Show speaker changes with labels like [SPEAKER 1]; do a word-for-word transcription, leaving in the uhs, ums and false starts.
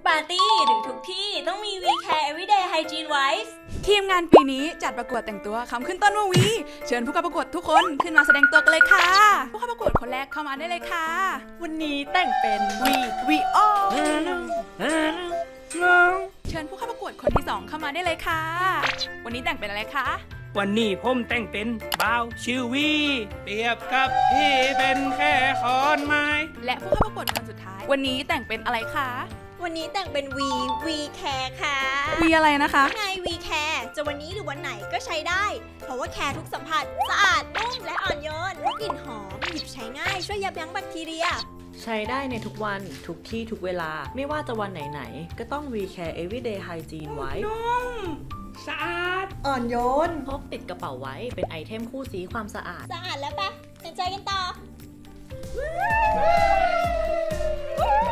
[SPEAKER 1] ปาร์ตี้หรือทุกที่ต้องมี We Care Everyday Hygiene Wipes
[SPEAKER 2] ทีมงานปีนี้จัดประกวดแต่งตัวคำขึ้นต้นว่าวีเชิญผู้เข้าประกวดทุกคนขึ้นมาแสดงตัวกันเลยค่ะผู้เข้าประกวดคนแรกเข้ามาได้เลยค่ะวันนี้แต่งเป็นวีวีโอเชิญผู้เข้าประกวดคนที่สองเข้ามาได้เลยค่ะวันนี้แต่งเป็นอะไรคะ
[SPEAKER 3] วันนี้ผมแต่งเป็นบ่าวชื่อวีเปรียบกับพี่เป็นแค่ขอนไม้
[SPEAKER 2] และผู้เข้าประกวดคนสุดท้ายวันนี้แต่งเป็นอะไรคะ
[SPEAKER 4] วันนี้แต่งเป็น V V Care ค่ะ
[SPEAKER 2] วีอะไรนะคะ
[SPEAKER 4] ไง V Care จะวันนี้หรือวันไหนก็ใช้ได้เพราะว่าแคร์ทุกสัมผัสสะอาดนุ่มและอ่อนโยนและกลิ่นหอมหยิบใช้ง่ายช่วยยับยั้งแบคทีเรีย
[SPEAKER 5] ใช้ได้ในทุกวันทุกที่ทุกเวลาไม่ว่าจะวันไหนๆก็ต้อง We Care Everyday Hygiene ไว้
[SPEAKER 3] นุ่มสะอาด
[SPEAKER 4] อ่อนโยน
[SPEAKER 5] พกติดกระเป๋าไว้เป็นไอเทมคู่สีความสะอาด
[SPEAKER 4] สะอาดแล้วปะเป็นใจกันต่อ